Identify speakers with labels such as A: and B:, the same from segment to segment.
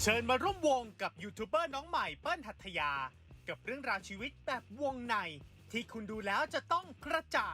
A: ชิญมาร่วมวงกับยูทูบเบอร์น้องใหม่เปิ้ลหัตถยากับเรื่องราวชีวิตแบบวงในที่คุณดูแล้วจะต้องกระจ่าง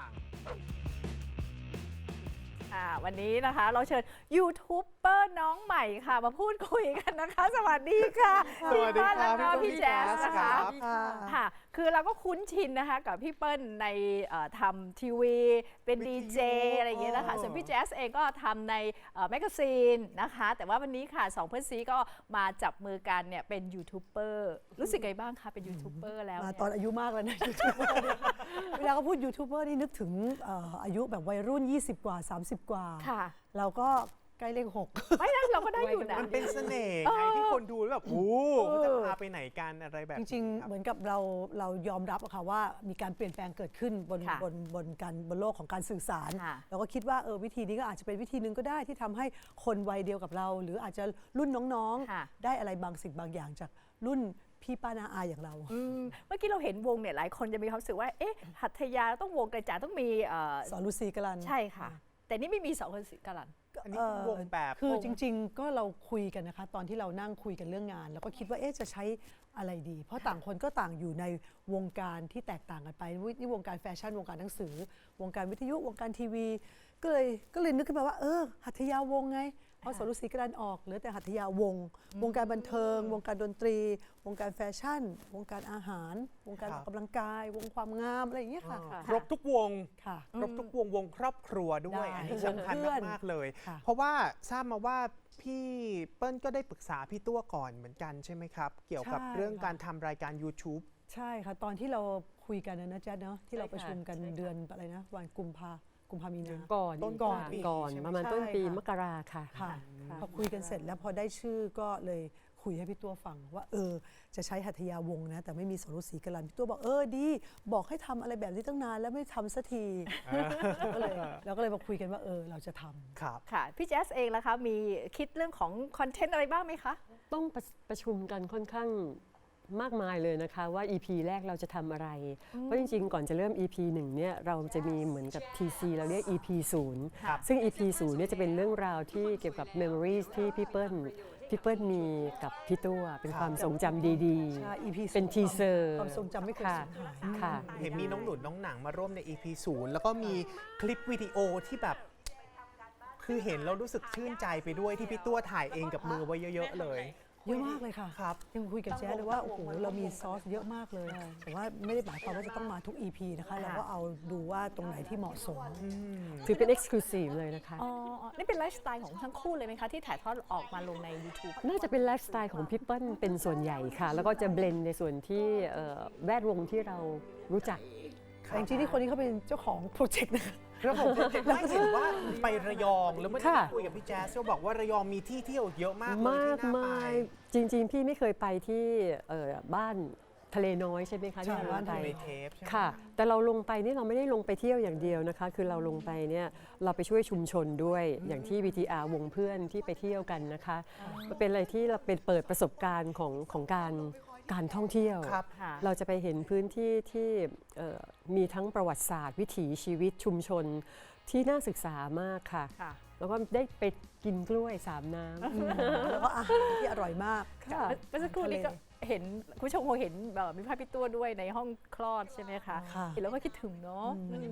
B: วันนี้นะคะเราเชิญยูทูบเบอร์น้องใหม่ค่ะมาพูดคุยกันนะคะ สวัสดีค่ะ
C: สวัสดีครับ
B: พี่เปิ้ลแล้วก็พี่แจ๊สนะคะ
C: ครับ
B: ค่ะคือเราก็คุ้นชินนะคะกับพี่เปิ้ลในทำทีวีเป็นดีเจอะไรอย่างเงี้ยนะคะส่วนพี่แจ๊สเองก็ทำในแมกกาซีนนะคะแต่ว่าวันนี้ค่ะสองเพื่อนซีก็มาจับมือกันเนี่ยเป็นยูทูบเบอร์รู้สึกไงบ้างคะเป็นยูทูบเบอร์แล้ว
D: มาตอนอายุมากแล้วนะยูทูบเบอร์เนี่ยเวลาเขาพูดยูทูบเบอร์นี่นึกถึงอายุแบบวัยรุ่น 20 กว่า 30 กว่า
B: ค่ะ
D: เราก็ใกล้เลข
B: ไม่นะเราก็ได้อยู่นะ
C: มันเป็นเสน่ห์ไงที่คนดูแล้วแบบโอ้เขาจะพาไปไหนกันอะไรแบบ
D: 6 จริง ๆ เหมือนกับเรายอมรับอะค่ะว่ามีการเปลี่ยนแปลงเกิดขึ้นบน
B: ค่ะ
D: บนโลกของการสื่อสาร
B: ค่ะ
D: เราก็คิดว่าวิธีนี้ก็อาจจะเป็นวิธีหนึ่งก็ได้ที่ทำให้คนวัยเดียวกับเรา หรืออาจจะรุ่นน้อง
B: ค่ะ
D: ๆ ได้อะไรบางสิ่งบางอย่างจากรุ่นพี่ป้านาอาอย่างเรา
B: เมื่อกี้เราเห็นวงเนี่ยหลายคนจะมีความรู้สึกว่าเอ๊ะหัตถยาต้องวงกระจาต้องมี
D: สอนลูซีกลัน
B: ใช่ค่ะ แต่นี่ไม่มีสองคนสิกลัน
C: อันนี้เป็นวงแบบ
D: คือจริงๆ ก็เราคุยกันนะคะตอนที่เรานั่งคุยกันเรื่องงาน แล้วก็คิดว่าจะใช้อะไรดี เพราะต่างคนก็ต่างอยู่ในวงการที่แตกต่างกันไปนี่วงการแฟชั่นวงการหนังสือ วงการวิทยุวงการทีวี ก็เลยนึกขึ้นมาว่าหัตถยาวงไงเพราะสรุปศรีกรันออกเหลือแต่หัตถยาวงวงการบันเทิง วงการดนตรี วงการแฟชั่น วงการอาหาร วงการออกกำลังกาย วงความงามอะไรอย่างเงี้ยค่ะ
C: ครบทุกวง
D: ค่ะ
C: ครบทุกวงครอบครัวด้วย
D: ได้
C: อันนี้สำคัญ
D: เพื่อน
C: มากๆเลย
D: ค่ะ
C: เพราะว่าทราบมาว่าพี่เปิ้ลก็ได้ปรึกษาพี่ตัวก่อนเหมือนกันใช่ไหมครับ เกี่ยวกับเรื่องการทำรายการ YouTube
D: ใช่ค่ะตอนที่เราคุยกันนะแจ๊ดเนาะที่เราประชุมกันเดือนอะไรนะวันกุมภามีนา
E: ก่อน
C: ต้น
E: ก่อน
C: ปี
E: ก่อน
C: ใช่ไหม
E: ประมาณ
D: ใช่
E: ต้นปี
D: ค่ะ
E: มกราค่ะ
D: ค่ะพอคุยกันเสร็จแล้วพอได้ชื่อก็เลยคุยให้พี่ตัวฟังว่าจะใช้หัตถยาวงศ์นะแต่ไม่มีสรุปศรีกรันพี่ตัวบอกดีบอกให้ทำอะไรแบบนี้ตั้งนานแล้วไม่ทำสักทีเราก็เลยมาคุยกันว่าเราจะทำ
C: ครับ
B: ค่ะพี่แจ๊สเองล่ะคะมีคิดเรื่องของคอนเทนต์อะไรบ้างไหมคะ
E: ต้องประชุมกันค่อนข้างมากมายเลยนะคะว่า EP แรกเราจะทำอะไร เพราะจริงๆ ก่อนจะเริ่ม EP 1เนี่ยเราจะมีเหมือนกับ TC เราเรียก EP
C: ครับ
E: 0ซึ่ง EP 0เนี่ยจะเป็นเรื่องราวที่เกี่ยวกับ Memories ที่พี่เปิ้ลมีกับพี่ตัวเป็นความทรงจำดี
D: ใช่ EP
E: เป็นทีเซอร์
D: ความทรงจำไม่เคย
E: ค่ะ
D: สูญหาย
E: ค่ะ
C: เห็นมีน้องหนุนน้องหนังมาร่วมใน EP 0แล้วก็มีคลิปวิดีโอที่แบบ คือเห็นแล้วรู้สึกชื่นใจไปด้วยที่พี่ตัวถ่ายเองกับมือไว้เยอะๆเลย
D: เยอะมากเลยค่ะ
C: ครับ
D: ยังคุยกับแจ๊ดเลยว่าโอ้โหเรามีซอสเยอะมากเลยแต่ว่าไม่ได้หมายความว่าจะต้องมาทุก EP นะคะเราก็เอาดูว่าตรงไหนที่เหมาะสม
E: ถือเป็น Exclusive เลยนะคะ
B: อ๋อ นี่เป็นไลฟ์สไตล์ของทั้งคู่เลยไหมคะ ที่ถ่ายทอดออกมาลงใน YouTube
E: น่าจะเป็นไลฟ์สไตล์ของพี่เปิ้ลเป็นส่วนใหญ่ค่ะ แล้วก็จะเบลนในส่วนที่แวดวงที่เรารู้จัก
D: แต่จริงๆนี่คนนี้เขาเป็นเจ้าของโปรเจกต์นะคะ
C: แล้วผมไม่เห็นว่าไประยองแล้วเมื่อกี้
E: ค่ะ
C: คุยกับพี่แจ๊สก็บอกว่าระยองมีที่เที่ยวเยอะมากเลย
E: มาก
C: ที่น่าไป
E: มายจริง ๆ พี่ไม่เคยไปที่บ้านทะเลน้อยใช่ไหมคะ
D: ใช่
E: ที่เรา
D: บ้าน
E: ไป
D: ทะเล
C: ในเทปใช่ไหม
E: ค่ะ แต่เราลงไปนี่เราไม่ได้ลงไปเที่ยวอย่างเดียวนะคะ คือเราลงไปเนี่ยเราไปช่วยชุมชนด้วยอย่างที่ VTR วงเพื่อนที่ไปเที่ยวกันนะคะมันเป็นอะไรที่เราเป็นเปิดประสบการณ์ของการท่องเที่ยว
C: ครับ
B: ค่ะ
E: เราจะไปเห็นพื้นที่ที่มีทั้งประวัติศาสตร์ วิถีชีวิตชุมชนที่น่าศึกษามากค่ะ
B: ค่ะ
E: แล้วก็ได้ไปกินกล้วยสามน้ำ
D: แล้วก็อาหารที่อร่อยมาก
E: ค่ะ
B: เมื่อสักครู่นี้ก็เห็นคุณผู้ชมคงเห็นมีภาพพี่ตัวด้วยในห้องคลอดใช่ไหมคะ
D: ค่ะ
B: เห็นแล้วก็คิดถึงเนาะ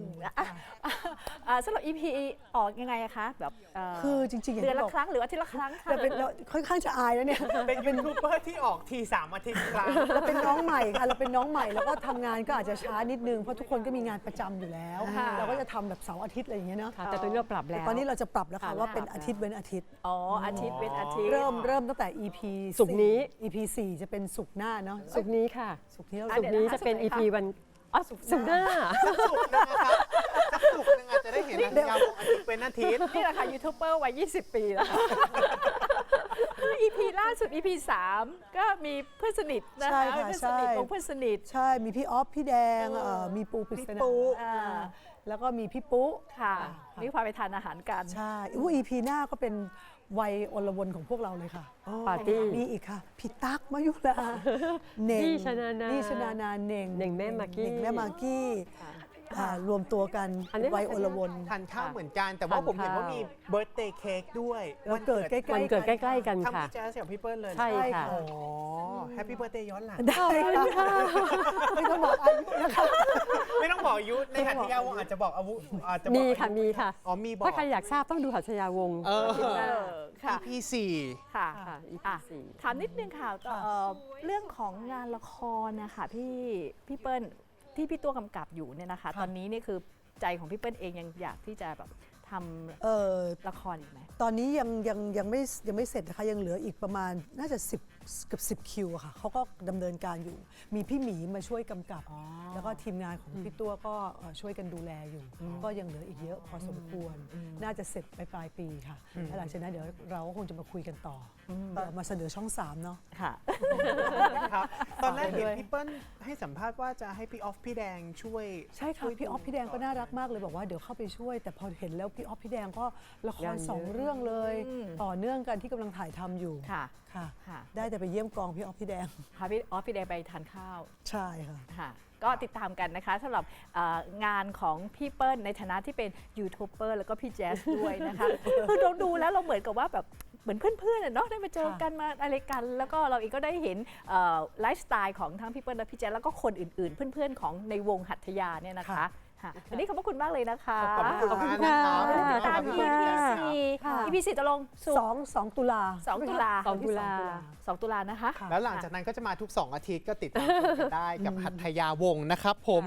B: สำหรับ EP ออกยังไงอะคะแบบ
D: คือจริงๆอย่าง
B: เดือน
D: ที่
B: ละ
D: บอก
B: ครั้งหรืออาทิตย์ละครั้งคะ
D: เราค่อนข้างจะอายแล้วเนี่ย
C: เป็นยูทูบเบอร์ที่ออกที3 อาทิตย์ครั้ง
D: เราเป็นน้องใหม่ค่ะเราเป็นน้องใหม่แล้วก็ทำงานก็อาจจะช้านิดนึงเพราะทุกคนก็มีงานประจำอยู่แล้ว เราก็จะทำแบบเสาร์อาทิตย์อะไรอย่างเงี้ยเนาะ
E: ค่ะแต่ตอนนี้เราปรับ
D: แต่
E: แล้ว
D: ตอนนี้เราจะปรับแล้วค่ะ
E: ค่ะ
D: ว่าเป็นอาทิตย์เว้นอาทิตย์
B: อ๋ออาทิตย์เป็นอาทิตย์
D: เริ่มตั้งแต่ EP
E: ศุกร์นี้
D: EP 4จะเป็นศุกร์หน้าเนาะ
E: สุกร์นี้ค่ะ
D: ศุกร์นี้เรา
E: สุกร์นี้จะเป็น EP วันอ๋อสุกร์หน้า
C: สุกร์นะครับสักสุกร์นึงอาจจะได้เห็นอันยาวของอาทิตย์เป็นอาทิตย์
B: นี่แหละค่ะยูทูบเบอร์วัย 20 ปีแล้ว EP ล่าสุด EP 3 ก็มีเพื่อนสนิทนะคะ
D: ใช่ค่ะ
B: เพื่อนสนิท
D: ใช่
B: ของเพื่อนสนิท
D: ใช่มีพี่ออฟพี่แดงมีปูปริศนา
B: อ่า
D: แล้วก็มีพี่ปุ๊
B: ค่ะมีพาไปทานอาหารกัน
D: ใช่EP หน้าก็เป็นวัยอลวนของพวกเราเลยค่ะ
E: ปาร์ตี้
D: มีอีกค่ะพี่ตั๊กมายุราเน่ง
E: นี่ชนานา
D: นี่ชนานาเน่ง
E: เน่งแม่มากกี้
D: เน่งแม่มากกี้รวมตัวกัน
E: อันนี้
D: วัยอลวน
C: ทานข้าวเหมือนกัน แต่ว่า
E: ทาน
C: ผมเห็นว่า
E: ข้าว
C: มีเบิร์ d เดย์เค้กด้วย
D: วันเกิดใกล้ๆ
E: วันเกิดใกล้ๆกัน
C: ทั้ง
E: ค่ะ
C: พี่แจ๊สกับพี่เปิ้ลเลย
E: ใช่ค่ะ
C: อ๋อแฮปปี้เบิร์ d เดย์ย้อนหลัง
D: ได้ค่ะไม่ต้องบอกอายุนะคะ
C: ไม่ต้องบอกอายุในหัตถยาวงศ์อาจจะบอกอายุอาจจะบอก
E: มีค่ะ
C: อายุ
E: มีค่ะ
C: อ๋อมีบอก
E: ถ้าใครอยากทราบต้องดูหัตถยาวงศ์
C: เออ
B: ค่ะ
C: EP 4
B: ค่ะ
E: ค่ะ EP
B: อ่ะ
E: สี่
B: ถามนิดนึงค่ะเรื่องของงานละครนะคะพี่เปิ้ลที่พี่ตัวกำกับอยู่เนี่ยนะคะ ตอนนี้นี่คือใจของพี่เปิ้ลเองยังอยากที่จะแบบทำละครอีกไหม
D: ตอนนี้ยังไม่เสร็จนะคะยังเหลืออีกประมาณน่าจะ10เกือบ10 คิวอะค่ะเขาก็ดำเนินการอยู่ มีพี่หมีมาช่วยกำกับ แล้วก็ทีมงานของพี่ตัวก็ช่วยกันดูแลอยู่ ก็ยังเหลืออีกเยอะพอสมควร น่าจะเสร็จไปปลายปีค่ะแล้วหลังจากนั้นเดี๋ยวเราก็คงจะมาคุยกันต่ออเดี๋ยวมาเสนอช่อง 3 เนาะ
B: ค่ะ
C: ครับตอนแรกเห็น
B: ด้วย
C: พี่เปิ้ลให้สัมภาษณ์ว่าจะให้พี่ออฟพี่แดงช่วย
D: ใช่ค่ะพี่ออฟพี่แดงก็น่ารักมากเลยบอกว่าเดี๋ยวเข้าไปช่วย แต่พอเห็นแล้วพี่ออฟพี่แดงก็ละค
E: งาร นเยอะ
D: 2 เรื่องเลย ต่อเนื่องกันที่กำลังถ่ายทำอยู่
B: ค่ะ
D: ค่ะ
B: ค่ะ
D: ได้แต่ไปเยี่ยมกองพี่ออฟพี่แดง
B: พาพี่ออฟพี่แดงไปทานข้าว
D: ใช่ค่ะ
B: ค่ะก็ติดตามกันนะคะสำหรับงานของพี่เปิ้ลในฐานะที่เป็นยูทูบเบอร์แล้วก็พี่แจ๊สด้วยนะคะ คือเราดูแล้วเราเหมือนกับว่าแบบเหมือนเพื่อนๆอะเนาะได้มาเจอกันมาอะไรกัน แล้วก็เราเองก็ได้เห็นไลฟ์สไตล์ของทั้งพี่เปิ้ลและพี่แจ๊สแล้วก็คนอื่นๆ เพื่อนๆของในวงหัตถยาเนี่ยนะคะค่ะวันนี้ขอบพระคุณมากเลยนะคะ
C: ขอบคุณ
E: ขอบคุณ
C: มาก
E: ค่ะ
C: นะครับ
B: ตาม
C: ขอบ
B: EP
C: คุณครับ
B: 4 EP 4ตกลงสุกร์
D: 2 ตุลา
B: 2 ตุลา
E: 2 ตุลา
B: 2 ตุลานะคะ
C: แล้วหลังจากนั้นก็จะมาทุก 2 อาทิตย์ก็ติดตามชมกันได้กับหัตถยาวงศ์นะครับผม